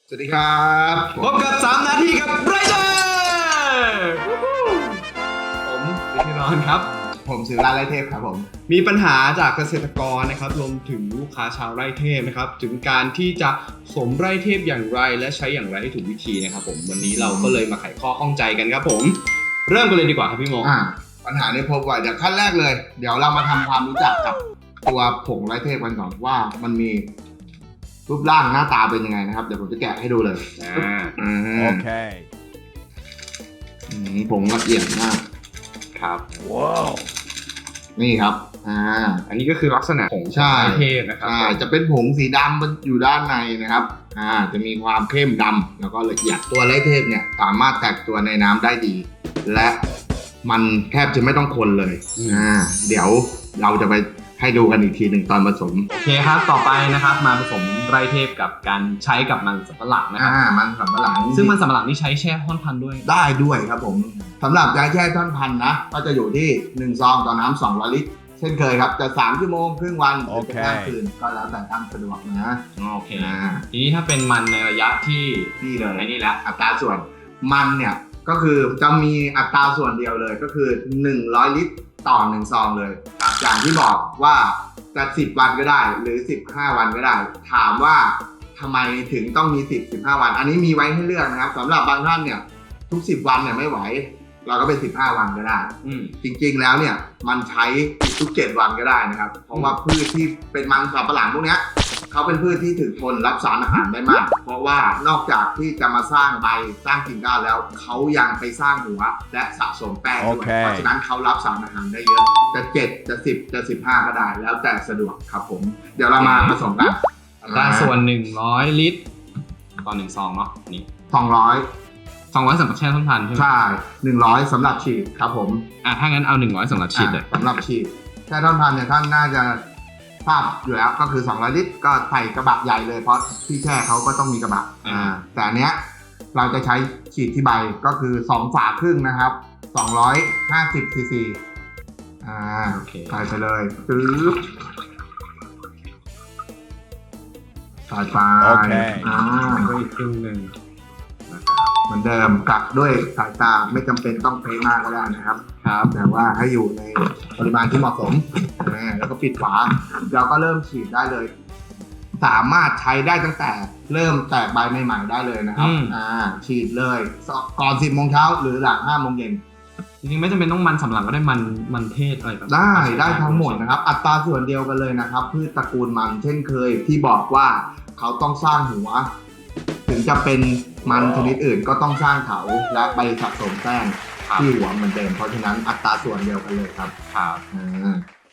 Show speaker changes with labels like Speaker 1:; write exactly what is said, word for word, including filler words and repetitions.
Speaker 1: สวัสดีครับ
Speaker 2: พบกับสามนาทีกับไรเดอร์ผมวิทยร้อนครับ
Speaker 1: ผมศิราไร่เทพครับผม
Speaker 2: มีปัญหาจากเกษตรกรนะครับรวมถึงลูกค้าชาวไร่เทพนะครับถึงการที่จะสวมไร่เทพอย่างไรและใช้อย่างไรให้ถูกวิธีนะครับผมวันนี้เราก็เลยมาไขข้อข้องใจกันครับผมเริ่มกันเลยดีกว่าครับพี่โม
Speaker 1: อ่าปัญหานี้พบว่าจากขั้นแรกเลยเดี๋ยวเรามาทำความรู้จักกับตัวผงไร่เทพกันก่อนว่ามันมีรูปร่างหน้าตาเป็นยังไงนะครับเดี๋ยวผมจะแกะให้ดูเลย
Speaker 2: อ่า
Speaker 3: โอเค
Speaker 1: ผงละเอียดมาก
Speaker 2: ครับ
Speaker 3: ว้าว
Speaker 1: นี่ครับอ่า
Speaker 2: อันนี้ก็คือลักษณะผงไร่เทพนะครับ
Speaker 1: อ่าจะเป็นผงสีดำอยู่ด้านในนะครับอ่าจะมีความเข้มดำแล้วก็ละเอียดตัวไร่เทพเนี่ยสามารถแตกตัวในน้ำได้ดีและมันแทบจะไม่ต้องคนเลยอ่าเดี๋ยวเราจะไปให้ดูกันอีกทีหนึ่งตอนผสม
Speaker 2: โอเคครับต่อไปนะครับมาผสมไร่เทพกับการใช้กับมันสำปะหลังนะครับ
Speaker 1: อ่ามันสำปะหลัง
Speaker 2: ซึ่งมันสำปะหลังนี่ใช้แช่ท่อนพันธุ์ด้วย
Speaker 1: ได้ด้วยครับผมสำหรับยาแช่ท่อนพันธุ์นะก็จะอยู่ที่หนึ่งซองต่อน้ำสองร้อยลิตรเช่นเคยครับจะสามชั่วโมงครึ่งวันหรือจะข้ามคืนก็แล้วแต่ตามสะดวกนะ
Speaker 2: โอเคทีนี้ถ้าเป็นมันในระยะที่
Speaker 1: นี่เลย
Speaker 2: ไอ้นี่แหละ
Speaker 1: อัตราส่วนมันเนี่ยก็คือจะมีอัตราส่วนเดียวเลยก็คือหนึ่งร้อยลิตรต่อหนึ่งซองเลยอย่างที่บอกว่าจะสิบวันก็ได้หรือสิบห้าวันก็ได้ถามว่าทำไมถึงต้องมีสิบ สิบห้าวันอันนี้มีไว้ให้เลือกนะครับสำหรับบางท่านเนี่ยทุกสิบวันเนี่ยไม่ไหวเราก็เป็นสิบห้าวันก็ได้จริงๆแล้วเนี่ยมันใช้ทุกเจ็ดวันก็ได้นะครับเพราะว่าพืชที่เป็นมันสำปะหลังพวกนี้เขาเป็นพืชที่ถึงทนรับสารอาหารได้มากเพราะว่านอกจากที่จะมาสร้างใบสร้างกิ่งก้านแล้วเขายังไปสร้างหัวและสะสมแป้งด้วย
Speaker 3: okay.
Speaker 1: เพราะฉะนั้นเขารับสารอาหารได้เยอะจะเจ็ดจะสิบจะสิบห้าก็ได้แล้วแต่สะดวกครับผมเดี๋ยวเรามาผสมกัน
Speaker 2: อัตราส่วนหนึ่งร้อยลิตรต่อหนึ่งซองเนาะนี่
Speaker 1: สองร้อย
Speaker 2: สองร้อยสำหรับแช่ท่อนพันธุ์ใช่ไหม
Speaker 1: ใช่หนึ่งร้อยสำหรับฉีดครับผม
Speaker 2: อ่ะถ้างั้นเอาหนึ่งร้อยสำหรับฉีดเลย
Speaker 1: สำหรับฉีดแช่ท่อนพันธุ์เนี่ยท่านน่าจะทราบอยู่แล้วก็คือสองร้อยลิตรก็ใส่กระบะใหญ่เลยเพราะที่แช่เขาก็ต้องมีกระบะอ่าแต่อันเนี้ยเราจะใช้ฉีดที่ใบก็คือสองฝาครึ่งนะครับสองร้อยห้าสิบซีซีอ่าใส่ไปเลยปึ๊บใส่ไป
Speaker 2: อ่าก็อีกครึ่งหนึ่ง
Speaker 1: เหมือนเดิมกักด้วยสายตาไม่จำเป็นต้องเป๊ะมากก็ได้นะครับครับแต่ว่าให้อยู่ในปริมาณที่เหมาะสมแล้วก็ปิดฝาเราก็เริ่มฉีดได้เลยสามารถใช้ได้ตั้งแต่เริ่มแตกใบใหม่ๆได้เลยนะครับอ่าฉีดเลยก่อนสิบโมงเช้าหรือหลังห้าโมงเย็น
Speaker 2: จริงๆไม่จำเป็นต้องมันสำหรับก็ได้มันมันเทศอะไรแบบ
Speaker 1: ได้ได้ทั้งหมดนะครับอัตราส่วนเดียวกันเลยนะครับพืชตระกูลมันเช่นเคยที่บอกว่าเขาต้องสร้างหัวถึงจะเป็นมันชนิดอื่นก็ต้องสร้างเขาและไปสะสมแป้งที่หัวเหมือนเดิมเพราะฉะนั้นอัตราส่วนเดียวกันเลยครับ
Speaker 2: ครับ